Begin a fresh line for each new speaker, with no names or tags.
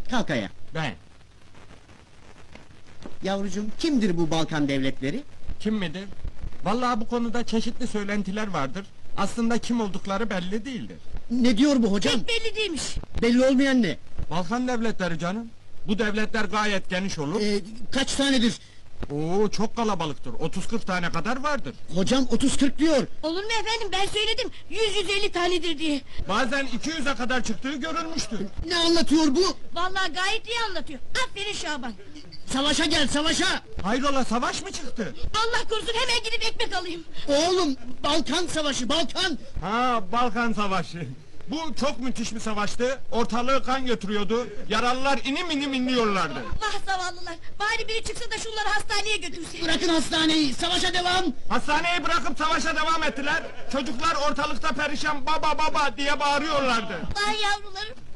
Kalk ayağa.
Ben.
Yavrucuğum, kimdir bu Balkan devletleri?
Kim midir? Vallahi bu konuda çeşitli söylentiler vardır. Aslında kim oldukları belli değildir.
Ne diyor bu hocam?
Pek belli değilmiş.
Belli olmayan ne?
Balkan devletleri canım. Bu devletler gayet geniş olur.
Kaç tanedir?
Oo, çok kalabalıktır. 30-40 tane kadar vardır.
Hocam 30-40 diyor.
Olur mu efendim, ben söyledim 100-150 tanedir diye.
Bazen 200'e kadar çıktığı görülmüştür.
Ne anlatıyor bu?
Vallahi gayet iyi anlatıyor. Aferin Şaban.
Savaşa gel, savaşa!
Hayrola, savaş mı çıktı?
Allah korusun, hemen gidip ekmek alayım.
Oğlum, Balkan savaşı, Balkan!
Ha, Balkan Savaşı. Bu çok müthiş bir savaştı. Ortalığı kan götürüyordu. Yaralılar inim inim inliyorlardı.
Vah zavallılar, bari biri çıksa da şunları hastaneye götürse.
Bırakın hastaneyi, savaşa devam!
Hastaneyi bırakıp savaşa devam ettiler. Çocuklar ortalıkta perişan, baba baba diye bağırıyorlardı.
Vay yavrularım.